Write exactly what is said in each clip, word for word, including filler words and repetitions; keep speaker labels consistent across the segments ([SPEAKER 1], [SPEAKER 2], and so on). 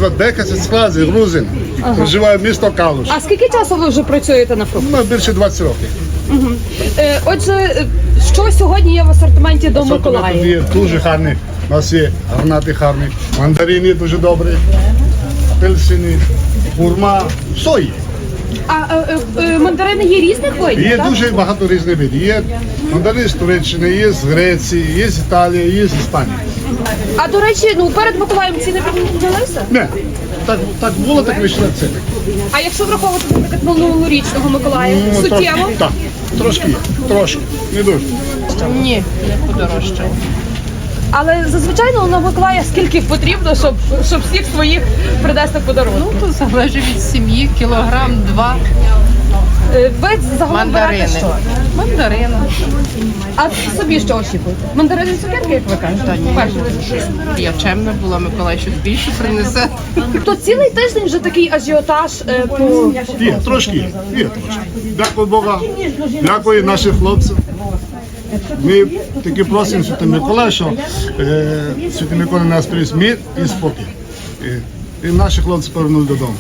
[SPEAKER 1] звати десять складів, грузин.
[SPEAKER 2] Ага.
[SPEAKER 1] Проживає в місто Калуш.
[SPEAKER 2] А скільки часу ви вже працюєте на фрукт?
[SPEAKER 1] Ну, більше двадцять років.
[SPEAKER 2] Угу. Е, отже, е, що сьогодні є в асортименті до Миколая?
[SPEAKER 1] Є дуже гарні. У нас є гранати гарні, мандарини дуже добрі, апельсини, хурма, все є.
[SPEAKER 2] А е, е, мандарини є різних видів,
[SPEAKER 1] Є
[SPEAKER 2] так?
[SPEAKER 1] дуже багато різних видів. Є мандарини з Туреччини, є з Греції, є з Італії, є з Іспанії.
[SPEAKER 2] А до речі, ну перед Миколаєм ціни піднялися?
[SPEAKER 1] Не, так, так було, так вийшло ціни.
[SPEAKER 2] А якщо враховувати, наприклад, минулорічного Миколая,
[SPEAKER 1] Ну,
[SPEAKER 2] суттєво?
[SPEAKER 1] трошки, так, трошки є, трошки, не дуже.
[SPEAKER 3] Ні, не подорожчало.
[SPEAKER 2] Але зазвичай ну, на Миколая скільки потрібно, щоб, щоб всіх своїх принести подарунок?
[SPEAKER 3] Ну, то залежить від сім'ї, кілограм, два.
[SPEAKER 2] Е, Ви загалом берете
[SPEAKER 3] Мандарини.
[SPEAKER 2] що?
[SPEAKER 3] Мандарини.
[SPEAKER 2] А собі що очікуєте? Мандарини цукерки, як ви кажете?
[SPEAKER 3] Та ні.
[SPEAKER 2] Перше.
[SPEAKER 3] Я чемна була, Миколай щось більше принесе.
[SPEAKER 2] То цілий тиждень вже такий ажіотаж е, по...
[SPEAKER 1] Є, трошки є, є трошки. Дякую Бога, дякую нашим хлопцям. Ми таки просимо Святий Миколая, що е, Святий Миколай нас приніс мир і спокій. І, і наші хлопці повернули додому.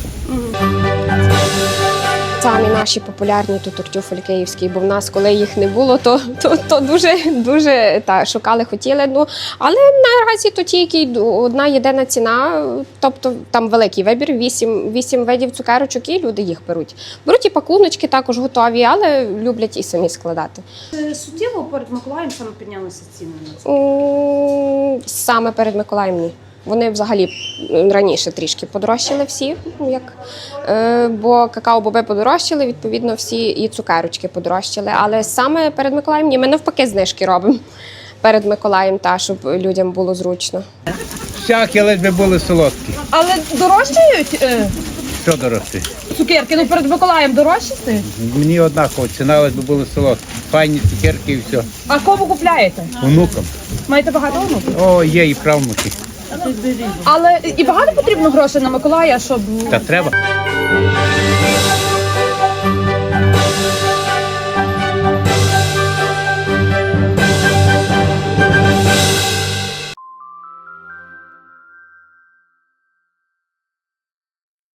[SPEAKER 4] Самі наші популярні тут тортюфель київський, бо в нас, коли їх не було, то, то, то дуже, дуже та, шукали, хотіли. Ну, але наразі то тільки одна єдина ціна, тобто там великий вибір, вісім, вісім видів цукерочок, і люди їх беруть. Беруть і пакуночки також готові, але люблять і самі складати.
[SPEAKER 2] Суттєво перед Миколаєм саме піднялися ціни на це?
[SPEAKER 4] М, Саме перед Миколаєм ні. Вони взагалі раніше трішки подорожчали всі, як, е, бо какао-боби подорожчали, відповідно всі і цукерочки подорожчали. Але саме перед Миколаєм ні, ми навпаки знижки робимо перед Миколаєм, та, щоб людям було зручно.
[SPEAKER 5] Всякі, ледь би були солодкі.
[SPEAKER 2] Але дорожчають е,
[SPEAKER 5] Що дорости?
[SPEAKER 2] цукерки? Ну перед Миколаєм дорожчі стають?
[SPEAKER 5] Мені однаково, ціна ледь би були солодкі. Файні цукерки і все.
[SPEAKER 2] А кому купляєте?
[SPEAKER 5] Онукам.
[SPEAKER 2] Маєте багато онуків?
[SPEAKER 5] О, є і правнуки.
[SPEAKER 2] Але і багато потрібно грошей на Миколая, щоб...
[SPEAKER 5] Та треба.